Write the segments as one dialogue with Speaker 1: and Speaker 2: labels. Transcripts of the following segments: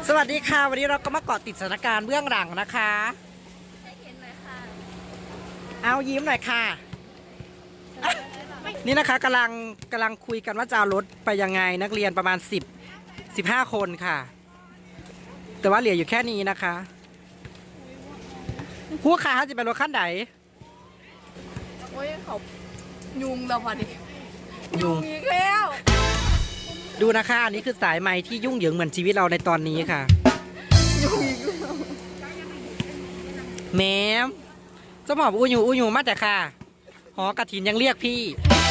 Speaker 1: สวัสดีค่ะวันนี้เราก็มาเกาะติดสถานการณ์เบื้องหลังนะคะ
Speaker 2: ให้เห็นหน่อยค่ะ
Speaker 1: เอายิ้มหน่อยค่ะนี่นะคะกำลังคุยกันว่าจะเอารถไปยังไงนักเรียนประมาณ15 คนค่ะ แต่ว่าเหลืออยู่แค่นี้นะคะผู้ค้าจะเป็นรถขั้นไหน
Speaker 2: โอ้ยเขายุงแล้วพอดี
Speaker 1: ยุง
Speaker 2: อีกแล้ว
Speaker 1: ดูนะคะอันนี้คือสายไหมที่ยุ่งเหยิงเหมือนชีวิตเราในตอนนี้ค่ะ
Speaker 2: ยุงอีกแล้ว
Speaker 1: แม่เจ้าหมอบอูอยู่มาแต่ค่ะหอกระถินยังเรียกพี่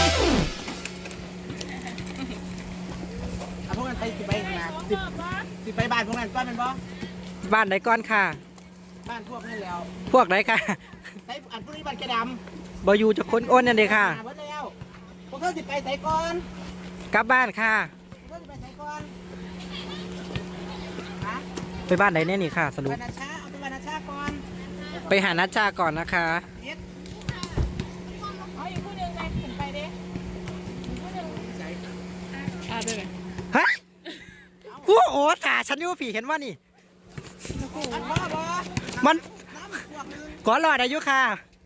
Speaker 3: เอาพวกนั้นไปสิไปนะสิไปบ้านพวกนั้นก้อนเป็นบ่
Speaker 1: บ้านไหนก้อนค่ะ
Speaker 3: บ้านพวกนั้นแล้ว
Speaker 1: พวกไหนค่ะ
Speaker 3: ใส่อันพวกนี้บ้านแกดำ
Speaker 1: บอยู่จะค้นอ้นนั่นเลยค่ะ
Speaker 3: หาเบิดแล้วพวกเขาสิไปใส่ก่อน
Speaker 1: กลับบ้านค่ะ
Speaker 3: พวกเขาสิไปใส่ก่อนฮะ
Speaker 1: ไปบ้านไหนเนี่ยนี่ค่ะ สรุป
Speaker 3: บ้านนาชาเอาไปบ้านนาชาก่อน
Speaker 1: ไปหานัชชาก่อนนะคะ
Speaker 3: เอ็ด
Speaker 2: เอาอีกผู้หนึ่งไปขึ้นไปดิผู้หนึ่งไปไหม
Speaker 1: ฮะกูโอ้ถ่าฉันอยู่ผีเห็นว่านี่
Speaker 3: อันบ่บ่
Speaker 1: มัน
Speaker 3: น้ำพวกนึง
Speaker 1: ก่อนรอดอายุค่ะ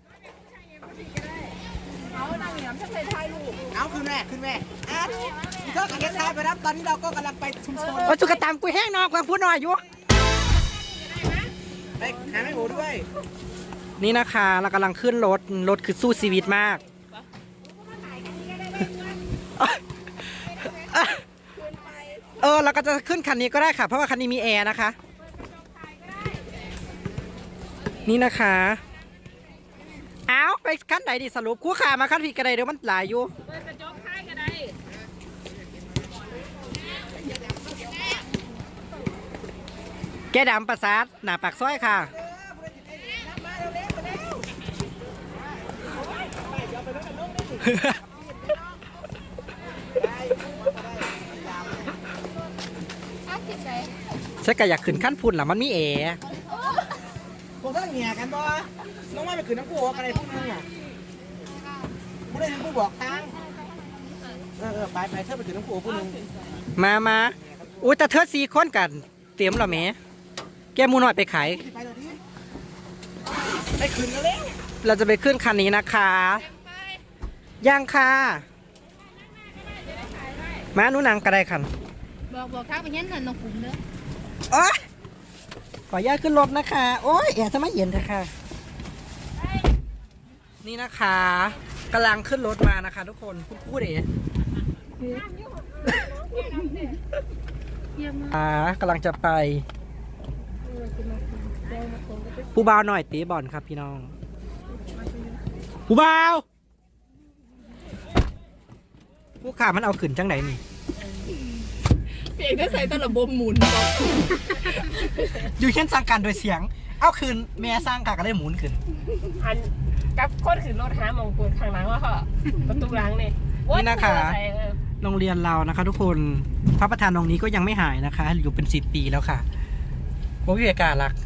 Speaker 2: เอานางเหนียมจะใส่ท้ายลูก
Speaker 3: เอาขึ้นแม่อ่ะเธอกับเฮ็ดทายไปรับตอนนี้เราก็กำลังไปชุมชน
Speaker 1: โอ้จุกกระตามกูแห้งนอกกำลังพูดหน่อยอยู่
Speaker 3: ไปหาแม่หมูด้วย
Speaker 1: นี่นะคะเรากำลังขึ้นรถคือสู้ชีวิตมากเราก็จะขึ้นคันนี้ก็ได้ค่ะเพราะว่าคันนี้มีแอร์นะคะนี่นะคะเอาไปขั้นไหนดิสรุปคู่ขามาขั้นผิดกันเลยเดี๋ยวมันหลายอยู่แกดำประสาทหน้าปากซอยค่ะใช่ก็อยากขึ้นขั้นพุ่นหรอมันมีแอร์
Speaker 3: พวกเธอเหี่ยกันบ่น้องว่าไปขึ้นน้ำกูอะไรพวกนึงอ่ะผู้ใดผู้บอกทางไปเธอไปขึ้นน้ำกูผู้นึง
Speaker 1: มาอุ้ยแต่เธอ4 คนกันเตรียมเหรอแม่แกมูหน่อยไปขาย
Speaker 3: ไปเลยดิไปขึ้นกันเลย
Speaker 1: เราจะไปขึ้นคันนี้นะคะย่างค่ะมาหนูนังก็ได้คัน
Speaker 2: บอกทางไปยันหน่อยน้องขุมเด้อ
Speaker 1: โอ๊ยขออนุญาตขึ้นรถนะคะโอ้ยแอบทำไมเย็นเถอะค่ะนี่นะคะกำลังขึ้นรถมานะคะทุกคนพูดเองกำลังจะไปผู้บ่าวหน่อยตีบอลครับพี่น้องผู้บ่าวผู้ขามันเอาขึ้นจังไหนนี่
Speaker 2: เพียงได้ใส่ตลับบหมุนบอก
Speaker 1: อยู่เช่นสร้างการโดยเสียงเอาคืนแม่สร้างการก็ได้หมุนขึ้น
Speaker 4: อันกับคนขึ้นรถหามองปืนข้างหลังว่าเขาประตูหลังนี่
Speaker 1: นี่นะคะโรงเรียนเรานะคะ ทุกคนพระประธานองค์นี้ก็ยังไม่หายนะคะอยู่เป็น10 ปีแล้วค่ะโอ้ยอากาศรัก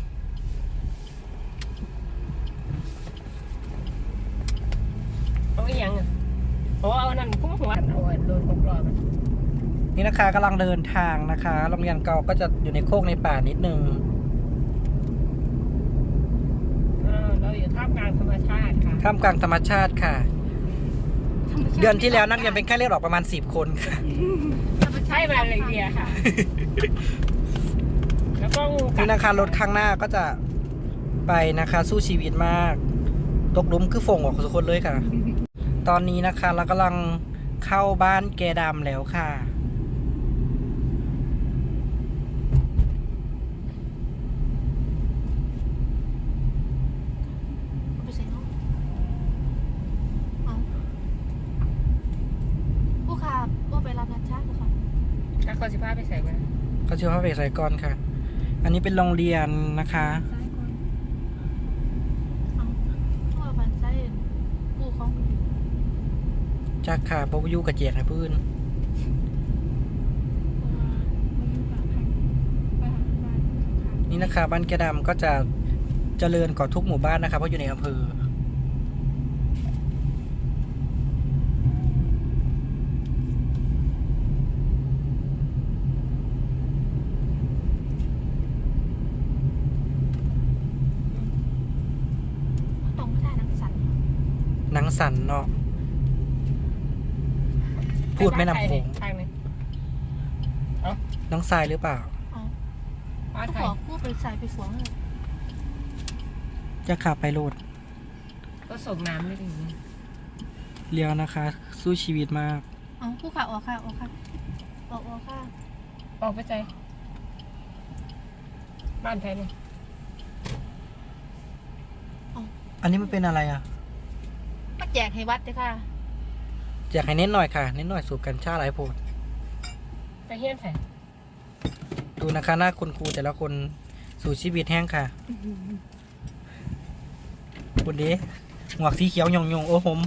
Speaker 4: เอาอีหยังอะโอ้เอานั่นคุ้มหัวเอาไว้โดนกบรอบมัน
Speaker 1: นี่นะคะกำลังเดินทางนะคะโรงเรียนเก่าก็จะอยู่ในโคกในป่านิดนึง
Speaker 4: เราอยู่ท่ามกลางธรรมชาติค่ะ
Speaker 1: ท่ามกลางธรรมชาติค่ะ เดือนที่แล้วนักเรียนเป็นแค่เลือดออกประมาณ10 คนค่ะ
Speaker 4: ใช่มาเลยเดียค่ะ แล้วก็งูกั
Speaker 1: นี่
Speaker 4: ด
Speaker 1: นะคะรถข้างหน้าก็จะไปนะคะสู้ชีวิตมากตกหลุมคือฝงออกทุกคนเลยค่ะ ตอนนี้นะคะเรากำลังเข้าบ้านแกดำแล้วค่ะ
Speaker 2: ไปใส่น้องเอาผู้ขาว่าไปรับนัดชาติเหรอคะ
Speaker 4: ถ้าเขาสิพาไปใส่ไว้
Speaker 1: เขาชื่อว่าเวสไซกอนค่ะ อันนี้เป็นโรงเรียนนะคะ
Speaker 2: ซ้ายก่อนเอาตัวบันไส้ผู้ของ
Speaker 1: จากค่ะปวยูกับเจียกนะพื้นนี่นะคะบ้านแกดำก็จะเจริญกว่าทุกหมู่บ้านนะคะเพราะอยู่ในอำเภอสันเนาะพูดแม่น้ำโขง
Speaker 4: ทางนึง
Speaker 1: น้องทรายหรือเปล่า
Speaker 4: บ้าน
Speaker 2: ก็
Speaker 4: ไท
Speaker 2: ข
Speaker 4: ย
Speaker 2: อพูดไปใส่ไปสวงเลย
Speaker 1: จะขับไปโลด
Speaker 4: ก็ส่งน้ำไม่ถึง
Speaker 1: เลี้ยวนะคะ สู้ชีวิตมาก
Speaker 2: เอาผู้ค่ะออกค่ะออกค่ะออกค่ะ
Speaker 4: ออกไปใจบ้านไทยนี่
Speaker 1: อันนี้มันเป็นอะไรอ่ะ
Speaker 2: มาแจกให้วัดเลยค่ะ
Speaker 1: อยากให้เน้นหน่อยค่ะ เน้นหน่อยสูบกัญชาหลายโพด
Speaker 4: ไปเฮี้ยนไทย
Speaker 1: ดูนะคะหน้าคุณครูแต่ละคนสู่ชีวิตแห้งค่ะคุณดีหมวกสีเขียวหยงโอ้โหม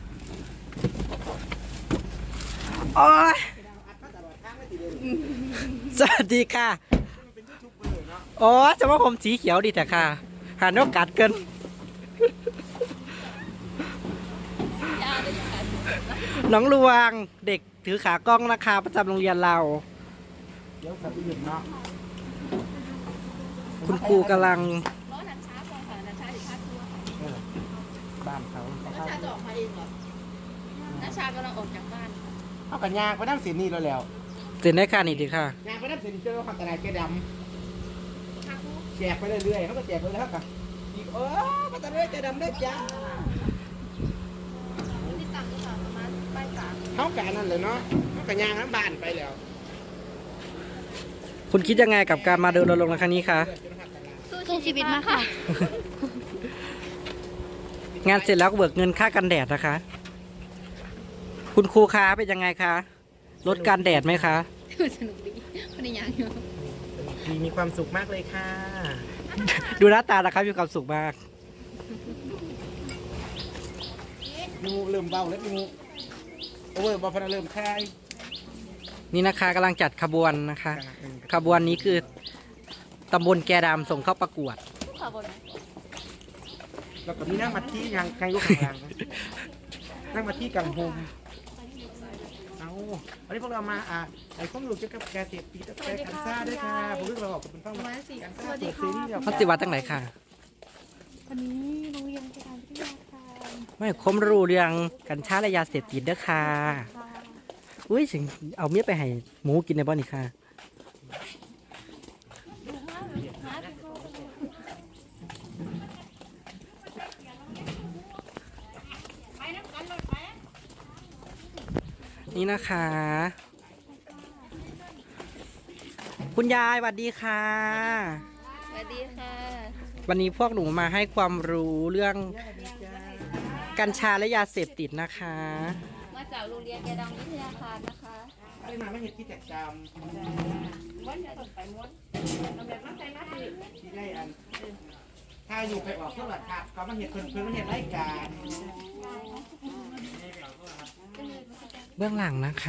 Speaker 1: โอ้ยสวัสดีค่ะโอ้จะว่าผมสีเขียวดีแต่ค่ะหันนกกัดเกินน้องลวงเด็กถือขากล้องนะคะประจำโรงเรียนเรา
Speaker 3: เดี๋ยวขับไปหยุดเนาะ
Speaker 1: คุณครูกำลัง
Speaker 2: ล้อนันช้าพอค่ะนันช้าถึงพักตัว
Speaker 3: บ้านเขา
Speaker 2: นันช้าจะออกมาเองเหรอนันช้ากำลังออกจากบ้าน
Speaker 3: เอากันยางไปน้ำเสียนี่แล้ว
Speaker 1: เซ็นได้ค่ะนี่ดีค่ะ
Speaker 3: ยางไปน้ำเสียนี่เจอความตลาดแกดำแจกไปเรื่อยๆเขาก็แจกไปแล้วกันอีกมาตลาดแกดำได้จ้า
Speaker 2: ที่ต่ำก็ค่ะประมาณป้ายสาม
Speaker 3: เขากันนั่นเลยเนาะเขากันยางน้ำบ้านไปแล้ว
Speaker 1: คุณคิดยังไงกับการมาเดินรณรงค์ในครั้งนี้คะ
Speaker 2: สู้ชีวิตมากค่ะ
Speaker 1: งานเสร็จแล้วก็เบิกเงินค่ากันแดดนะคะ คุณครูคะเป็นยังไงคะลดการแดดไหมคะ
Speaker 2: สนุกดีคนในยังอยู่
Speaker 3: มีความสุขมากเลยค่ะ
Speaker 1: ดูหน้าตานะครับมีความสุขมาก
Speaker 3: งูเริ่มเบาแล้วงูโอเวอร์บอลฟันเริ่มคลาย
Speaker 1: นี่นะคะกำลังจัดขบวนนะคะ ขบวนนี้คือตำบลแกดำส่งเข้าประกวด
Speaker 2: ค่ะบน
Speaker 3: แล้วก็มีนั่งมาที่ยังใครอยู่ข้างหลังนั่งมาที่กังโฮมเอาวันนี้พวกเรามาไอ้ข้อมูลเกี่ยวกับการเสพติดและการกัญชาด้วยค่ะผมเรื่องเราออกเป็นฟังมาการชาเสพติดนี่
Speaker 1: เขาติวัดตั้งไหนค่ะ
Speaker 2: วันนี้โรงเรียนการวิทยาการ
Speaker 1: ไม่คมรู้เรื่องกัญชาและยาเสพติดเด้อค่ะอุ้ยสิเอาเมียไปให้หมูกินในบ้านนี่ค่ะนี่นะคะ คุณยายสวัสดีค่ะ
Speaker 2: สวัสดีค่ะ
Speaker 1: วันนี้พวกหนูมาให้ความรู้เรื่องกัญชาและยาเสพติดนะคะ
Speaker 2: มาจากโรงเรียนแกดังวิทยาคารนะคะ
Speaker 3: ได้มาไม่เห็นที่แตกจำที่ได้อันถ้าอยู่ไปออกเท่าไหร่ครับก็มาเห็นเพิ่นมาเห็นรายการ
Speaker 1: เบื้องหลังนะคะ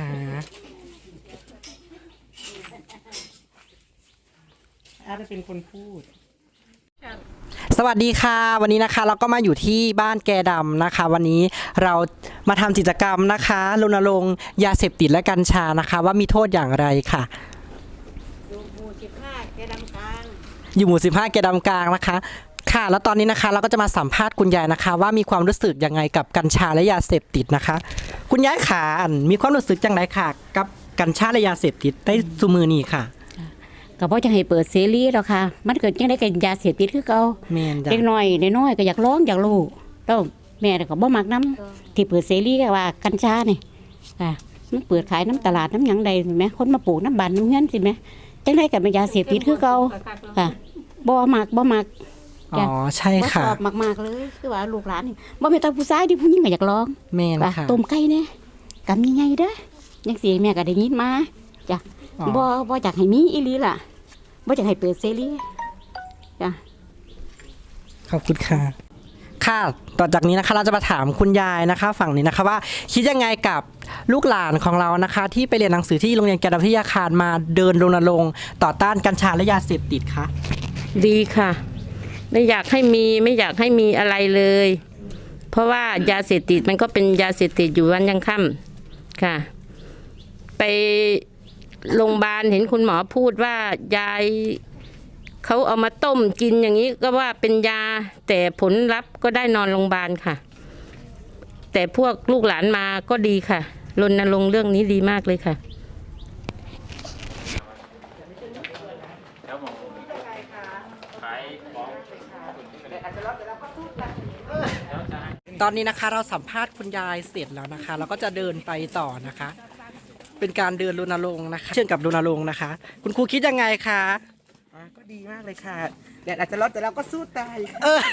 Speaker 3: อาจจะเป็นคนพูด
Speaker 1: สวัสดีค่ะ วันนี้นะคะเราก็มาอยู่ที่บ้านแกดำนะคะ วันนี้เรามาทำกิจกรรมนะคะรณรงค์ยาเสพติดและกัญชานะคะ ว่ามีโทษอย่างไรค่ะ
Speaker 3: อยู่หมู่15แกดำกลาง
Speaker 1: อยู่หมู่15แกดำกลางนะคะ ค่ะ แล้วตอนนี้นะคะเราก็จะมาสัมภาษณ์คุณยายนะคะ ว่ามีความรู้สึกยังไงกับกัญชาและยาเสพติดนะคะ คุณยายขามีความรู้สึกจังไรค่ะ กับกัญชาและยาเสพติดในซุมือนี้ค่ะ
Speaker 5: ก็บ่จะให้เปิดเสรีหรอกค่ะ มันเกิดจังได๋ก็ยาเสพติดคือเก่า
Speaker 1: แม่นจ้ะ
Speaker 5: เด็กน้อยน้อยๆก็อยากลองอยากรู้แล้วแม่ก็บ่มักนํที่เปิดเสรีก็ว่ากัญชานี่ค่ะมันเปิดขายน้ำตลาดน้ำหยังใดแม่คนมาปลูกน้ำบ้านน้ำเฮือนสิแม่จังได๋ก็เป็นยาเสพติดคือเก่าค่ะบ่มัก
Speaker 1: อ๋อใช่
Speaker 5: บ่ช
Speaker 1: ค่ะ
Speaker 5: อบมากๆเลยคือว่าลูกหลานนี่บ่แม่นแต่ผู้ชายที่ผู้หญิงก็อยากลอง
Speaker 1: แม่น
Speaker 5: ว่า
Speaker 1: ค่ะ
Speaker 5: ต้มไก่แน่กำใหญ่ๆเด้อจังซี่แม่ก็ได้ยินมาจ้ะ
Speaker 1: อ๋อ
Speaker 5: บ่อยากให้มีอีหลีล่ะบ่อยากให้เปิดเสรีจ้ะ
Speaker 1: ขอบคุณค่ะ ค่ะ ต่อจากนี้นะคะเราจะมาถามคุณยายนะคะ ฝั่งนี้นะคะว่าคิดยังไงกับลูกหลานของเรานะคะ ที่ไปเรียนหนังสือที่โรงเรียนแกดำวิทยาคารมาเดินรณรงค์ต่อต้านกัญชาและยาเสพติดคะ
Speaker 4: ดีค่ะ ไม่อยากให้มีไม่อยากให้มีอะไรเลย เพราะว่ายาเสพติดมันก็เป็นยาเสพติดอยู่วันยังค่ำค่ะ ไปโรงพยาบาลเห็นคุณหมอพูดว่ายายเขาเอามาต้มกินอย่างนี้ก็ว่าเป็นยาแต่ผลลัพธ์ก็ได้นอนโรงพยาบาลค่ะแต่พวกลูกหลานมาก็ดีค่ะรณรงค์เรื่องนี้ดีมากเลยค่ะ
Speaker 1: ตอนนี้นะคะเราสัมภาษณ์คุณยายเสร็จแล้วนะคะเราก็จะเดินไปต่อนะคะ เป็นการเดินรณรงค์นะคะ เชื่อมกับรณรงค์นะคะ คุณครูคิดยังไงคะ
Speaker 3: ก็ดีมากเลยค่ะแดดอาจจะร้อนแต่เราก็สู้ตาย
Speaker 1: เออ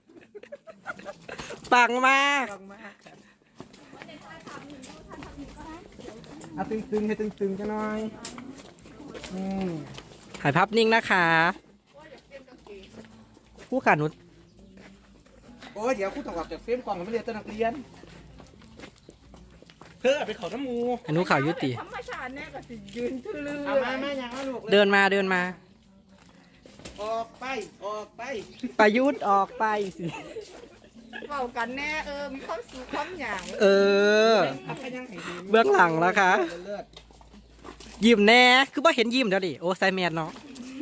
Speaker 1: ปังมาก
Speaker 3: ลองมากค่ะเอาตึงๆให้ตึงๆกันหน่อยม
Speaker 1: ถ่ายภาพนิ่งนะคะผู้ขานุช
Speaker 3: โอ้ยเดี๋ยวครูต้องออกจากเฟรมกล่องไม่เรียนตัวนักเรียนเพื่อไปเขาน้ำมู
Speaker 1: อนุข่าวยุติ
Speaker 2: ธรรมชาติแน่ก็สิยืนทื่อลือ
Speaker 3: เอามาอย่างนั้นลูก
Speaker 1: เดินมาเดินมา
Speaker 3: ออกไปออกไป
Speaker 1: ประยุทธ์ออกไปสิ
Speaker 2: เบากันแน่มีความสุขความหยาง
Speaker 1: เออ
Speaker 3: เอาไปยังไงดี
Speaker 1: เบื้องหลังนะคะ
Speaker 3: เลิศ
Speaker 1: ยิ้มแน่คือว่าเห็นยิ้มเดี๋ยวดิโอ้ไซแมนเนาะ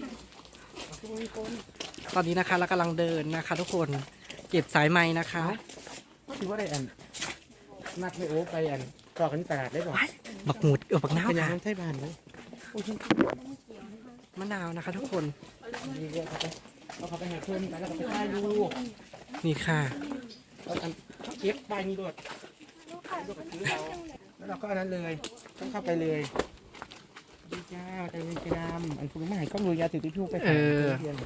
Speaker 1: ตอนนี้นะคะเรากำลังเดินนะคะ ทุกคนเก็บสายไม้นะคะ
Speaker 3: ก็ถือว่าได้อันนัดไม่โอ้ไปอันต่อกันที่ตลาดได้บอก
Speaker 1: บักหมุดบักน้าว
Speaker 3: เป็นยัง
Speaker 1: ค่ะ
Speaker 3: น้ำไทยบานเลยโอ้ย
Speaker 1: มะนาวนะคะ ทุกคน
Speaker 3: นี่เรียกเขาไปเอาเขาไปหาเพื่อนไปแล้วก็ไปถ่ายรูป
Speaker 1: นี่ค่ะ
Speaker 3: เอาอันเขาเก็บใบนี้ด้วยลูกกับถือเราแล้วเราก็อันนั้นเลยต้องเข้าไปเลยดีจ้าใจเย็นใจดำอันคุณไม่ให้กล้องดูยาถือทิชชู่ไปหาเพื่อน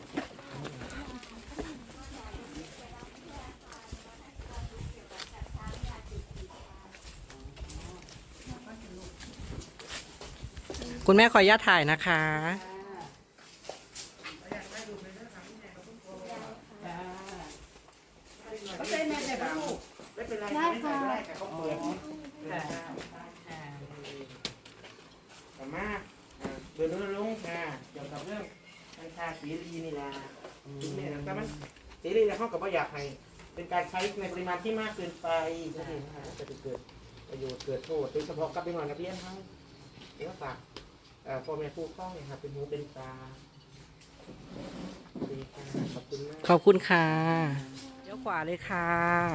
Speaker 1: คุณแม่ขออนุญาตถ่ายนะคะ
Speaker 3: ได้ค่ะเขาเปิดสามารถเดินลงค่ะเกี่ยวกับเรื่องกัญชาเสรีนี่แหละเนี่ยแต่มันเสรีแล้วเขากับว่าอยากให้เป็นการใช้ในปริมาณที่มากเกินไปใช่ไหมคะจะเกิดประโยชน์เกิดโทษโดยเฉพาะกับเด็กน้อยนักเรียนทั้งเด็กฝากพ่อแม่ผู้ปกครองเนี่ยครับเป็นหูเป็นตาดีค่ะขอบคุณมาก
Speaker 1: ขอบคุณค่ะเลี้ยวขวาเลยค่ะ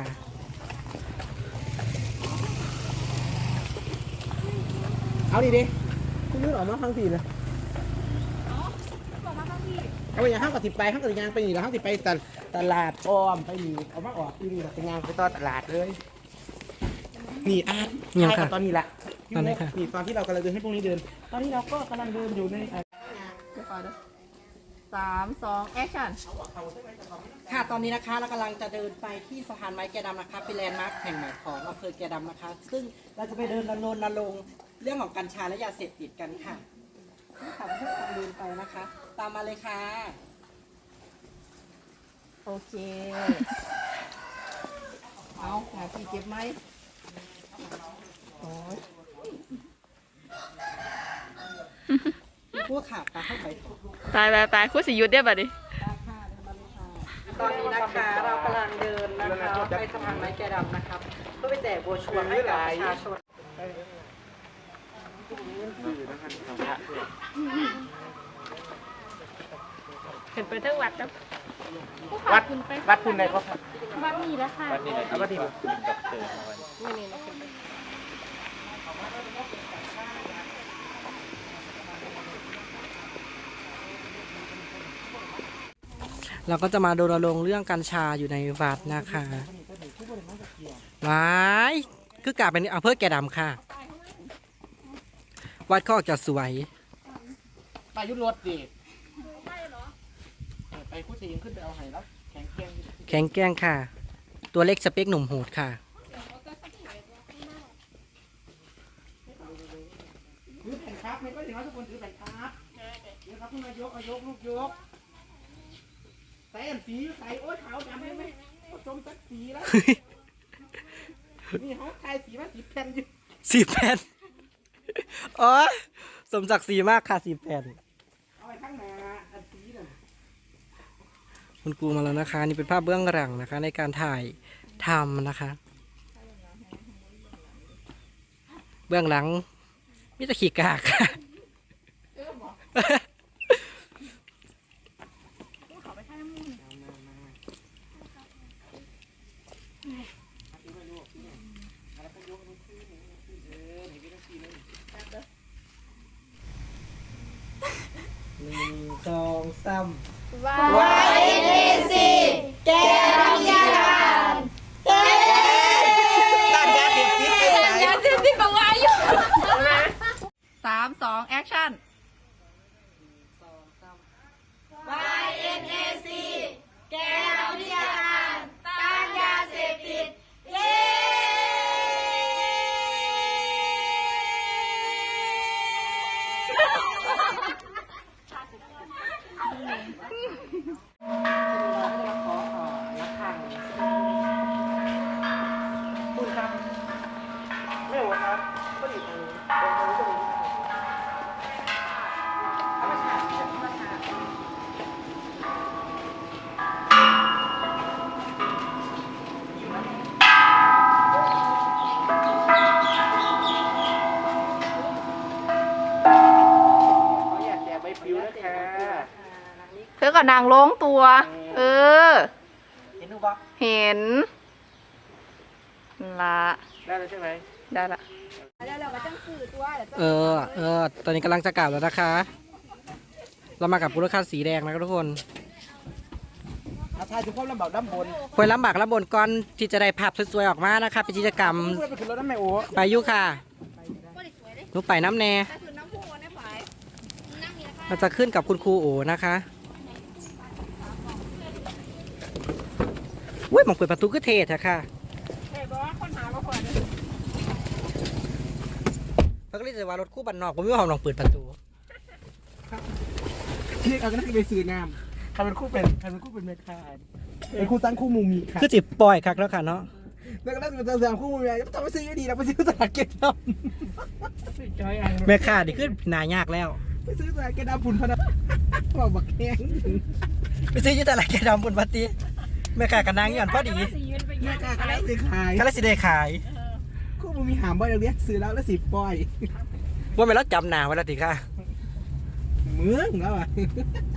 Speaker 3: เอาดิคุณนึกออกมาทั้งทีเลยเอาไปอย่างห้างกับติดไปห้างกับยางไปนี่แล้วห้างติดไปตลาดอ้อมไปนี่เอามาออกที่นี่เป็นยางไปต่อตลาดเลย นี่อาร์ต
Speaker 1: ยังค่ะ
Speaker 3: ตอนนี้แหละ
Speaker 1: ตอนไหนคะ
Speaker 3: นี่ตอนที่เรากำลังเดินให้พวกนี้เดิน ตอนนี้เราก็กำลังเดินอยู่ใน
Speaker 2: 3 2 แอคชั่น
Speaker 1: ค่ะตอนนี้นะคะเรากำลังจะเดินไปที่สะพานไม้แกดำนะคะเป็นแลนด์มาร์คแห่งใหม่ของอำเภอแกดำนะคะ ซึ่งเราจะไปเดินรณรงค์เรื่องของกัญชาและยาเสพติดกันค่ะนี่ค่ะเพื่อนๆเดินไปนะคะ ตามมาเลยค่ะ
Speaker 2: โอเค เอาหาที่เก็บไหมโอ้ย
Speaker 1: พวกขาปลาเข้าไป
Speaker 2: ตายคู่สิยุดได้ป่ะดิ
Speaker 1: ตอนนี้นะคะเรากำลังเดินนะคะไปสะพานไม้แกดำนะครับเพื่อไปแจกโบรชัวร์ให้กับประชาชน
Speaker 2: เห็นไปทั้งวัดแล้ว
Speaker 3: วัดคุณไหนก็ครับ
Speaker 2: วัดนี่แล้วค่ะ
Speaker 3: เอาวัดที่
Speaker 1: เราก็จะมาดูรณรงค์เรื่องกัญชาอยู่ในวัดนะคะว้ายคือกลับเป็นอำเภอแกดำค่ะ วัดก็ออกจะสวย
Speaker 3: ไปยุทธรถดิไปคู่ตีนขึ้นไปเอาไห้แล้วแข็งแกร่ง
Speaker 1: แข็งแกร่งค่ะ ตัวเล็กสเปคหนุ่มโหดค่ะ
Speaker 3: ถือแผ่นครับไม่ก็ถึงว่าทุกคนถือแผ่นครับเดี๋ยวครับคุณนายกลูกยกใส่อันสีใส่โอ๊ยขาวดำได้ไหมผสมสักสีแล้วนี่เขาทายสีมาสีแผ่นอยู่
Speaker 1: 10 แผ่นอ๋อสมศักดิ์ศรีมากค่ะ10 แผ่น
Speaker 3: เอาไปข้างหน้าอันสีน่ะ
Speaker 1: คุณครูมาแล้วนะคะ นี่เป็นภาพเบื้องหลังนะคะ ในการถ่ายทำนะคะ เบื้องหลังมิตรขีกากค่ะสองสาม
Speaker 2: YNAC แกนวิทยาการ
Speaker 3: ด้านยาเสพติดไปไหน
Speaker 2: ยาเสพติดกับวายอยู่3 2 action YNAC แกนวิทยาการต้านยาเสพติดเย้
Speaker 3: คุณครับไม่หัวครับก็อยู่ตรงนี้ตรงนี้ก็มีธรรมชาติธรรมชาติเขาอยากแจกใบปลิวนะคะ
Speaker 2: เธอก็นางลงตัว เออ
Speaker 3: เห็นดูปะ
Speaker 2: เห็นละ
Speaker 3: ได้แล้วใช่ไหม
Speaker 2: ได้ละ
Speaker 1: ตอนนี้กำลังจะกลับแล้วนะคะ เรามากับรถคันสีแดงนะครับทุกคน
Speaker 3: อาทายถึงความลำบากด้านบน
Speaker 1: คอยลำบากลำบนก่อนที่จะได้ภาพสวยๆออกมานะคะเป็นกิจกรรม
Speaker 3: พูดไปขึ้นรถน้ำแม่โอ้
Speaker 1: ไปอยุค่ะหนูไปน้ำแน่เราจะขึ้นกับคุณครูโอนะคะอุ้ยมองเปิดประตูก็เทศอะค่ะเขาก็เรียกว่ารถคู่บันนอกผมไม่ว่าลองเปิดประตู
Speaker 3: ที่เอาก็นั่งไปซื้อน้ำใครเป็นคู่เป็นแม่ค้าเป็นคู่ตั้งคู่มูมีค่ะ
Speaker 1: คือจิบปล่อยคักแล้วค่ะเนาะ
Speaker 3: แล้วก็นั่งเป็นสามคู่มูมีจะต้องไปซื้ออยู่ดีนะไปซื้อตลาดเก็ตดำ
Speaker 1: แม่ค่าดิขึ้นนายากแล้ว
Speaker 3: ไปซื้อตลาดเก็ตดำผุนพนันบอกบักแข้ง
Speaker 1: ไปซื้อยุตลาดแกดำบนปฏิแม่ค่ากับนางหย่อนพอดี
Speaker 3: แม่ค้าอะไรสิขาย
Speaker 1: ก็เลยสิได้ขาย
Speaker 3: คู่มูมีหามบ่อยเรียกซื้อแล้วสิบปอย
Speaker 1: ว่าไม่แล้วจำหนาไว้แล้วติค่ะ
Speaker 3: เมืองแล้วอ่ะ